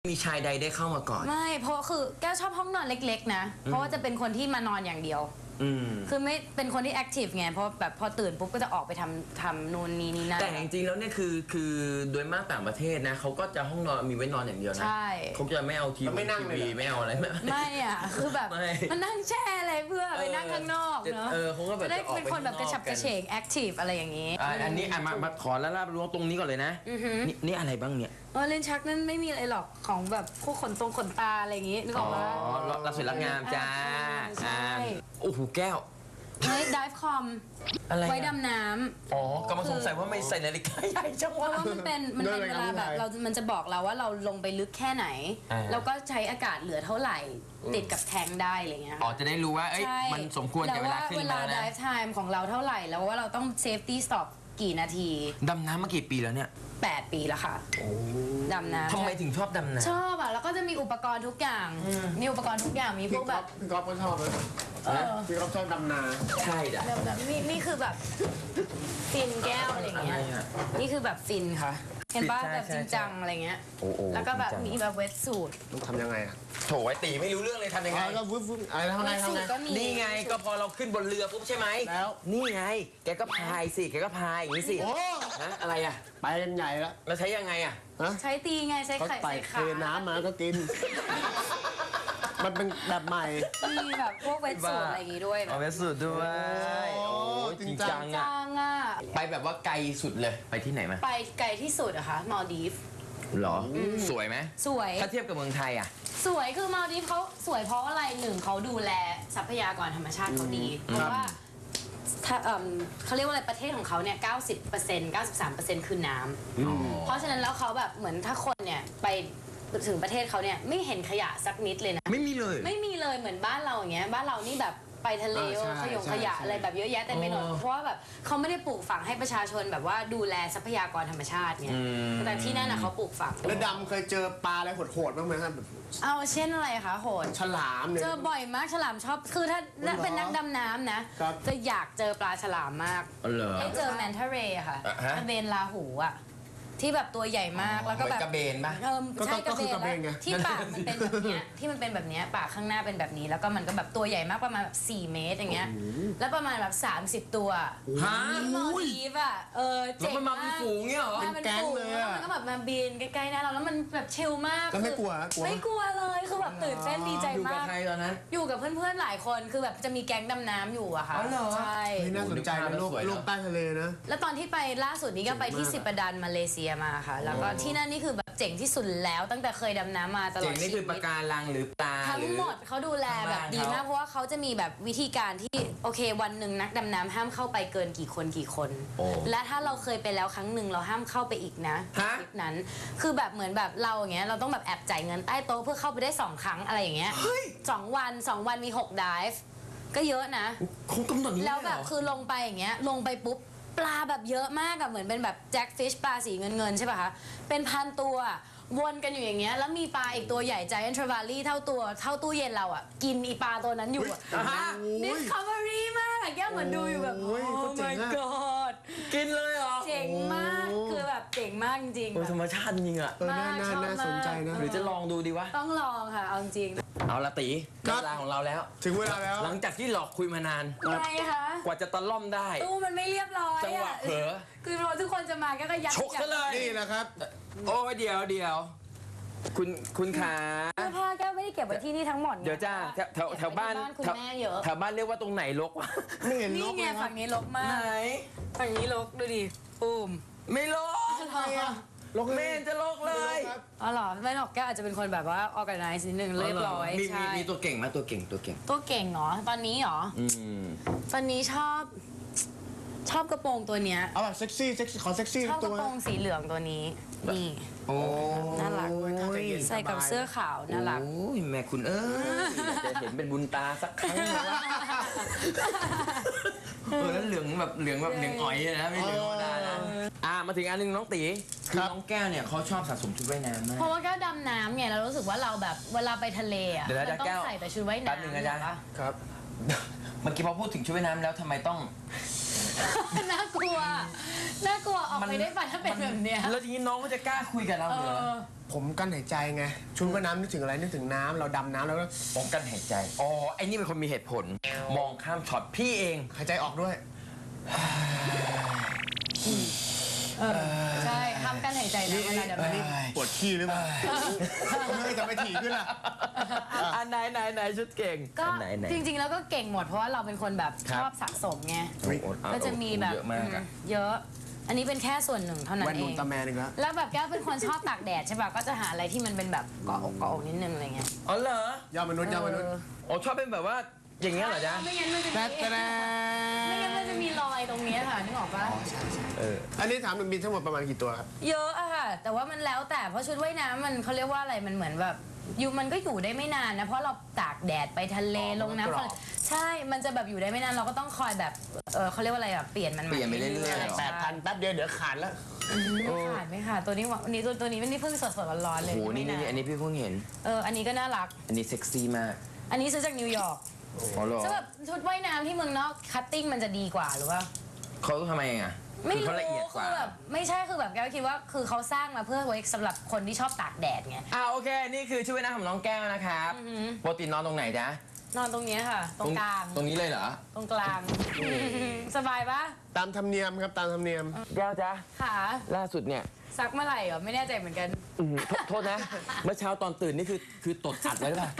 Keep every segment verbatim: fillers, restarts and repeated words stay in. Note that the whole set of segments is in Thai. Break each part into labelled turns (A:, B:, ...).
A: มีชายใดได้เข้ามาก่อน
B: ไม่เพราะคือแก้วชอบห้องนอนเล็กๆนะเพราะว่าจะเป็นคนที่มานอนอย่างเดียวคือไม่เป็นคนที่แอคทีฟไงเพราะแบบพอตื่นปุ๊บก็จะออกไปทำทำนู่นนี่นี่นั่น
A: แต่จริงๆแล้วเนี่ยคือคือโดยมากต่างประเทศนะเขาก็จะห้องนอนมีไว้นอนอย่างเดียวนะเขาจะไม่เอาทีวีทีวีไม่เอาอะไร
B: ไม่อ่ะคือแบบมันนั่งแช่อะไรเพื่อไปนั่งข้างนอกเนาะจะได้เป็นคนแบบกระฉับกระเฉงแอคทีฟอะไรอย่างนี้
A: อันนี้มามาขอแล้วล่ารู้ตรงนี้ก่อนเลยนะนี่อะไรบ้างเนี่ย
B: เออเลนชักนั่นไม่มีอะไรหรอกของแบบพวกขนตรงขนตาอะไรอย่างงี้นึกออกไหม
A: อ๋อรักสวยรักงามจ้าโอ้โหแก้ว
B: ไว้ดิฟคอมไว้ดำน้
A: ำอ๋อกำลังสงสัยว่าไม่ใส่นาฬิกาใหญ่จังวะ
B: เพราะว่ามันเป็นมันเป็นเวลาแบบเรา มันจะบอกเราว่าเราลงไปลึกแค่ไหนแล้วก็ใช้อากาศเหลือเท่าไหร่ติดกับแทงได้อะไรเงี้ย
A: อ๋อจะได้รู้ว่าเอ้ยมันสมควรกับเวลาขึ้นมา
B: แล้วว่าเวลาดิฟไทม์ของเราเท่าไหร่แล้วว่าเราต้องเซฟตี้สต็อปกี่นาที
A: ดำน้ำมากี่ปีแล้วเนี่ย
B: แปดปีแล้วค่ะดำน้ำ
A: ทำไมถึงชอบดำน้
B: ำชอบอ่ะแล้วก็จะมีอุปกรณ์ทุกอย่างมีอุปกรณ์ทุกอย่างมีพวกแบบ
C: พี่ก๊อฟก็ชอบเลยพี่ก๊อฟชอบดำน้
A: ำใช่จ้ะ
B: แบบนี่นี่คือแบบฟินแก้วอะไรเงี้ยนี่คือแบบฟินค่ะเห็นป่ะแบบจริงจังอะไรเงี้ยแล้วก็แบบมีแบบเวทสูท
C: ต้องทำยังไงอ่ะ
A: โถไอตีไม่รู้เรื่องเลยทำยังไง
C: ก็วึบวึบอะไรทำไงทำไง
A: นี่ไงก็พอเราขึ้นบนเรือปุ๊บใช่ไหม
C: แล้ว
A: นี่ไงแกก็พายสิแกก็พายอย่างนี้สิ
C: โอ้
A: ฮะอะไรอ่ะ
C: ไปกันใหญ่แล้ว
A: แล้วใช้ยังไงอ่ะ
B: ใช้ตีไงใช้ไข่ใส่ขา
C: เทน้ำมาก็กินมันเป็นแบบใหม่
B: มีแบบพวกเวทสูทอะไรอย่างงี้ด้วย
A: เวทสูทด้วยโอ้จริงจังอ่ะไปแบบว่าไกลสุดเลยไปที่ไหนมา
B: ไปไกลที่สุดอะคะมาลดีฟ
A: หรอสวยไหม
B: สวย
A: ถ้าเทียบกับเมืองไทยอ่ะ
B: สวยคือมาลดีฟเขาสวยเพราะอะไรหนึ่งเขาดูแลทรัพยากรธรรมชาติเขาดีเพราะว่าเขาเรียกว่าอะไรประเทศของเขาเนี่ย เก้าสิบเปอร์เซ็นต์ เก้าสิบสามเปอร์เซ็นต์ คือน้ำเพราะฉะนั้นแล้วเขาแบบเหมือนถ้าคนเนี่ยไปถึงประเทศเขาเนี่ยไม่เห็นขยะสักนิดเลยนะ
A: ไม่มีเลย
B: ไม่มีเลยเหมือนบ้านเราอย่างเงี้ยบ้านเรานี่แบบไปทะเลขยงขยะอะไรแบบเยอะแยะเต็มไปหมดเพราะว่าแบบเขาไม่ได้ปลูกฝังให้ประชาชนแบบว่าดูแลทรัพยากรธรรมชาติเนี่ยแต่ที่นั่นนะเขาปลูกฝัง
C: แล้วดำเคยเจอปลาอะไรโหดๆบ้างไหมครับ
B: เอาเช่นอะไรคะโหด
C: ฉลามเนี่ย
B: เจอบ่อยมากฉลามชอบคือถ้าเป็นนักดำน้ำนะจะอยากเจอปลาฉลามมากให้เจอแมนทาเรย์ค่ะกระเบนลาหูอ่ะที่แบบตัวใหญ่มากแล้วก็แบบ
A: กระเบนป่ะ
B: เออใช่กระเบนแล้วที่ปากมันเป็นแบบเนี้ยที่มันเป็นแบบเนี้ยปากข้างหน้าเป็นแบบนี้แล้วก็มันก็แบบตัวใหญ่มากประมาณแบบสี่เมตรอย่างเงี้ยแล้วประมาณแบบสามสิบตัว
A: ฮะ
B: มอลดีฟอ่ะเออ
A: เจ๋งมากแล้วมันมาเป็นฝูงเงี้ยเหรอ
C: เป็นแก๊งเลย
B: แล้วมันก็แบบมาบินใกล้ๆหน้าเราแล้วมันแบบชิลมาก
C: แล้วไม่กลัว
B: ไม่กลัวเลยคือแบบตื่นเต้นดีใจมาก
A: อยู่กับใครตอนนั้น
B: อยู่กับเพื่อนๆหลายคนคือแบบจะมีแก๊งดำน้ำอยู่อะค่ะ
C: ใช่น่าสนใจนะโลกโลกใต้ทะเลนะ
B: แล้วตอนที่ไปล่าสุดนี้ก็ไปที่สิปดันมาเลเซียมาค่ะแล้วก็ที่นั่นนี่คือแบบเจ๋งที่สุดแล้วตั้งแต่เคยดำน้ำมาตลอดชีวิต
A: เจ๋งนี่คือปะการังหรือปลา
B: ทั้งหมดเขาดูแลแบบดีมากเพราะว่าเขาจะมีแบบวิธีการที่โอเควันหนึ่งนักดำน้ำห้ามเข้าไปเกินกี่คนกี่คนและถ้าเราเคยไปแล้วครั้งหนึ่งเราห้ามเข้าไปอีกนะทริปนั้นคือแบบเหมือนแบบเราอย่างเงี้ยเราต้องแบบแอบจ่ายเงินใต้โต๊ะเพื่อเข้าไปได้สองครั้งอะไรอย่างเงี้ยสองวันสองวันมีหกไดฟ์ก็เยอะนะ
A: คงกำหนดนี้
B: แล้วแบบคือลงไปอย่างเงี้ยลงไปปุ๊บปลาแบบเยอะมากอะเหมือนเป็นแบบแจ็คฟิชปลาสีเงินเงินใช่ป่ะคะเป็นพันตัววนกันอยู่อย่างเงี้ยแล้วมีปลาอีกตัวใหญ่ใจแอนทราวาลี่เท่าตัวเท่าตู้เย็นเราอะกินอีปลาตัวนั้นอยู่อะดิสคัฟเวอรี่มากแก้วเหมือนดูอยู่แบบโอ้ my god
A: กินเลยเหรอ
B: เจ๋งมากคือแบบเจ๋งมากจริง
A: ๆธรรมชาติจริงอะ
C: น่าน่าสนใจนะ
A: หรือจะลองดูดีวะ
B: ต้องลองค่ะเอาจริง
A: เอาละตีเวลาของเราแล้ว
C: ถึงเวลาแล้ว
A: หลังจากที่หลอกคุยมานาน
B: ไงคะ
A: กว่าจะตะล่อมได้
B: ตู้มันไม่เรียบร้อย
A: จังหวะเผลอ
B: คือเราทุกคนจะมาก็ยัด
A: ชกซะเลย
C: นี่นะครับ
A: โอ้เดี๋ยวเดี๋ยวคุณคุณขา
B: เสื้อผ้าแก้วไม่ได้เก็บไว้ที่นี่ทั้งหมด
A: เดี๋ยวจ้าแถวแถวบ้าน
B: คุณแม่เยอะ
A: แถวบ้านเรียกว่าตรงไหนรกวะ
C: ไม่เห็นรก
B: นี่ไงฝั่งนี้รกมาก
A: ไหน
B: ฝั่งนี้รกดูดิปูม
A: ไม่รก
C: ลก
A: เมนจะลกเลย
B: อ๋อเหรอไม่หรอกแก้วอาจจะเป็นคนแบบว่า organize นิดนึงเรียบร้อย
A: มีมีมีตัวเก่งไหมตัวเก่งตัวเก่ง
B: ตัวเก่งเหรอตอนนี้เหรอตอนนี้ชอบชอบกระโปรงตัวเนี้ย
C: เอาแบบเซ็กซี่เซ็กซี่ขอเซ็กซี่
B: ชอบกระโปรงสีเหลืองตัวนี้นี่
A: โอ้
B: น่ารักใส่กับเสื้อขาวน่ารัก
A: โอ้ยแม่คุณเอ้ยจะเห็นเป็นบุญตาสักครั้งนะเออแล้วเหลืองแบบเหลืองแบบเหลืองอ๋อยนะไม่เหลืองธรรมดานะอ่ามาถึงอันนึงน้องตีคือน้องแก้วเนี่ยเขาชอบสะสมชุดว่ายน้ำมาก
B: เพราะว่าแก้วดำน้ำเนี่ยเรารู้สึกว่าเราแบบเวลาไปทะเลอ่ะเราต้องใส่แต่ชุดว่ายน้ำ
A: แป๊บนึงนะจ๊ะ
C: ครับ
A: เมื่อกี้พอพูดถึงชุดว่ายน้ำแล้วทำไมต้อง
B: น่ากลัว น่ากลัวออกไปได้ป่ะถ้าเป็นแบบเนี้ย
A: แล้วทีนี้น้องก็จะกล้าคุยกับเรา
B: เอ
A: เหรอ
B: อ
C: ผมกั้นหายใจไงชุดว่ายน้ำนึกถึงอะไรนึกถึงน้ำเราดำน้ำแล้วก็
A: ป้องกันหายใจ อ๋อ ไอ้นี่เป็นคนมีเหตุผล มองข้ามช็อตพี่เอง
C: หายใจออกด้วย
B: เออ ใช่ห้ามกั้นหายใจนะเวลาดำ
C: อันนี้
B: น้ำ
C: ปวดขี้หรือเปล่าไม่ทำไมถี่ขึ้นล่ะ
A: อันไหนไหนไหนชุดเก่ง
B: ก็
A: อันไหนไหน
B: จริงๆแล้วก็เก่งหมดเพราะว่าเราเป็นคนแบบ
A: ครั
B: ช
A: บ
B: อบสะสมไง
A: โอ้โหอ่ะ
B: ก็จะมีแบบ
A: เยอะมากอะ
B: อืมเยอะ อันนี้เป็นแค่ส่วนหนึ่งเท่านั้น
C: แว่น
B: เอ
C: มุน
B: ง
C: ตาแมนอีกแล้ว
B: แล้วแบบแก้วเป็นคนชอบตากแดดใช่ป่ะ ก็จะหาอะไรที่มันเป็นแบบเกาะอกเกาะอกนิดนึงอะไรเงี้ย
A: อ๋อเหรอย
C: อดมนุษย์ยอดมนุษย์
B: เออ
A: อ๋อชอบเป็นแบบว่าอย่างเงี้ยเหรอจ๊ะ
B: ไม่งั้นมันจะ
C: แต่
B: มี
C: แต่
B: ไม่งั้นมันจะมีรอยตรงเนี้ยค่ะนึกออกปะ
A: เออ
C: อันนี้ถามหนึ่งบินทั้งหมดประมาณกี่ตัวครับ
B: เยอะอะค่ะ แต่ว่ามันแล้วแต่เพราะชุดว่ายน้ำมันเขาเรียกว่าอะไรมันเหมือนแบบอยู่มันก็อยู่ได้ไม่นานนะเพราะเราตากแดดไปทะเล
C: อ๋อ
B: ลงน้ำ
C: มันกรอบ
B: ใช่มันจะแบบอยู่ได้ไม่นานเราก็ต้องคอยแบบเออเขาเรียกว่าอะไรแบบเปลี่ยนมันใหม่
A: เปลี่ยนไปเรื่อยๆ
B: ๆ
C: แปดพันแป๊บเดียวเดี๋ยวขาดแล้ว
B: ไม่ขาดไม่ขาดตัวนี้ว่าวันนี้ตัวตัวนี้มันนี่เพิ่งสดสดๆร้อนๆเลย
A: โอ้โหนี่
B: ไม่า
A: นี่อันนี้พี่เพิ่งเห็น
B: เอออันนี้ก็น่ารัก
A: อันนี้เซ็กซี่มาก
B: อันนี้ซื้อจากนิวยอร์ก
A: อ๋อเหรอ
B: ซึ่งแบบชุดว่ายน้ำที่เมืองนอกคัตติ้งมันจะดีกว่าหรือว่า
A: เขาทำไมอ่ะ
B: ไม่
A: คือ
B: รู้
A: เขาละเอียดก
B: คื
A: ว่า
B: อแบบไม่ใช่คือแบบแกก็คิดว่าคือเขาสร้างมาเพื่อไว้สำหรับคนที่ชอบตากแดดไง
A: อ่าโอเค นี่คือชื่อว่ายน้ำของน้องแก้วนะครับปกตินอนตรงไหนจ๊ะ
B: นอนตรงเนี้ยค่ะ ตรงกลาง
A: ตรงนี้เลยเหรอ
B: ตรงกลาง สบายปะ
C: ตามธรรมเนียมครับตามธรรมเนียม
A: แก้วจ๊ะ
B: ขา
A: ล่าสุดเนี่ย
B: ซักเมื่อไหร่เหรอไม่แน่ใจเหมือนกัน
A: อื้อหือโทษโทษนะ เมื่อเช้าตอนตื่นนี่คือคือตดอัดไว้หรือเปล่า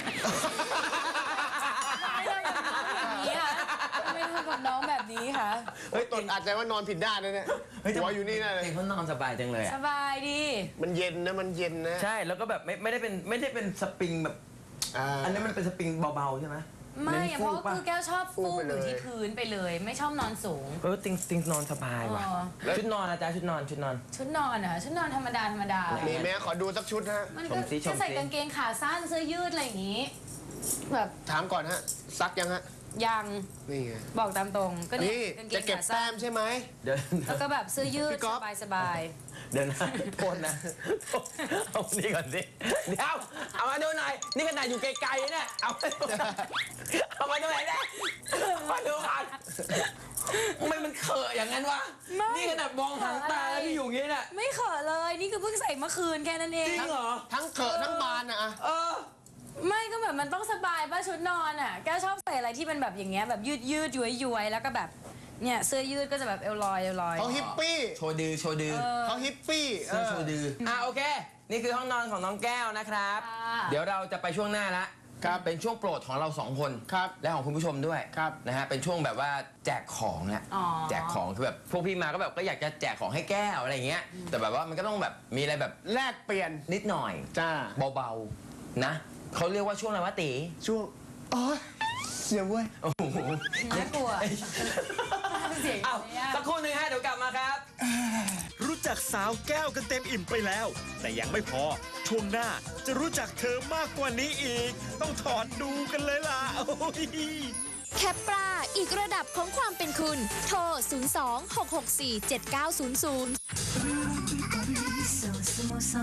B: ไม่ทำกับน้องแบบนี้ค่ะ
C: เฮ้ยตนอาจจะว่านอนผิดด้านนะเนี่ยหัวอยู่นี่นะเลย
A: เองเขานอนสบายจังเลย
B: ส
A: อ่ะ
B: บายดี
C: มันเย็นนะมันเย็นนะ
A: ใช่ แล้วก็แบบไม่ไม่ได้เป็นไม่ได้เป็นสปริงแบบ
C: อ่า
A: อันนี้มันเป็นสปริงเบาๆใช่ไหม
B: ไม่
A: น้น
B: อะเพราะว่า
A: ป
B: คือแก้วชอบ
C: ฟู
B: ฟู
C: ไป
B: อ
C: เลย
B: ยู่ที่พื้นไปเลย ไม่ชอบนอนสูง
A: เออติงติงนอนสบายว่ะ
B: อ๋อ
A: ชุดนอนนะจ๊ะชุดนอนชุดนอน
B: ชุดนอนอะชุดนอนธรรมดาธรรมดา
C: มีไหมขอดูสักชุดฮะ
B: มัน
A: ช
B: ก็
A: มสิชมสิ
B: จะใส่กางเกงขาสั้นเสื้อยืดอะไรอย่างงี้ แบบ
C: ถามก่อนฮะซักยังฮะ
B: ยัง
C: นี่ไง
B: บอกตามตรงก็เนี่
C: นี่
B: ยกางเก
C: จะ
B: ง
C: เก็บ
B: ขา
C: แต้
B: สั้น
C: มใช่ไหม
A: เดี๋ยว
B: แล้วก็แบบเสื้อยื
C: พี่
B: ด
C: ก๊
B: ส
C: อฟ
B: บายสบาย
A: เดี๋ยวนะโทษนะเอานี่ก่อนสิเดี๋ยวเอามาดูหน่อยนี่ขนาดอยู่ไกลๆเนี่ยเอามาดูเอามาดูไหนอยเนี่ยมาดูก่อนทำไมมันเขอะอย่างนั้นวะนี่ขนาดมองหางตาแล้วพี่อยู่อย่างนี้เนี่ย
B: ๆไม่เขอะเลยนี่คือเพิ่งใส่เมื่อคืนแค่นั้นเอง
A: จริงเหรอ
C: ทั้งเขอะทั้งบานนะอะ
A: เออ
B: ไม่ก็แบบมันต้องสบายป่ะชุดนอนอ่ะแกชอบใส่อะไรที่มันแบบอย่างเงี้ยแบบยืดยืดย้วยย้วยๆแล้วก็แบบเนี่ยเสื้อยืดก็จะแบบเอวลอยเอวลอย
C: เขาฮิปปี้
A: โชว์ดือโชว์ดือ
C: เขาฮิปปี้เอ
A: เสื้อ
C: อ
A: โชว์ดืออ่ะโอเค นี่คือห้องนอนของน้องแก้วนะครับ
B: ค่ะ
A: เดี๋ยวเราจะไปช่วงหน้าละ
C: ครับ
A: เป็นช่วงโปรดของเราสองคน
C: ครับ
A: และของคุณผู้ชมด้วย
C: ครับ
A: นะฮะเป็นช่วงแบบว่าแจกของแหละ
B: อ๋อ
A: แจกของคือแบบพวกพี่มาก็แบบก็อยากจะแจกของให้แก้วอะไรอย่างเงี้ยแต่แบบว่ามันก็ต้องแบบมีอะไรแบบ
C: แลกเปลี่ยน
A: นิดหน่อย
C: จ้า
A: เบาๆนะเขาเรียกว่าช่วงอะไรวะตี
C: ช่วงโอ้ยเสียเว้ย
A: โอ้โห
B: น่ากลัวเสียง
A: อ้าว
B: เนี่ย
A: สักครู่หนึ่งฮะเดี๋ยวกลับมาครับ
D: รู้จักสาวแก้วกันเต็มอิ่มไปแล้ว แต่ยังไม่พอ ช่วงหน้าจะรู้จักเธอมากกว่านี้อีก ต้องถอดดูกันเลยล่ะโอ้ย
E: แคปปลาอีกระดับของความเป็นคุณ โทร ศูนย์ สอง หก หก สี่ เจ็ด เก้า ศูนย์ ศูนย์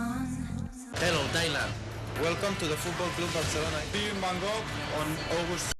F: Hello, Thailand. Welcome to the Football Club Barcelona. See you in Bangkok on August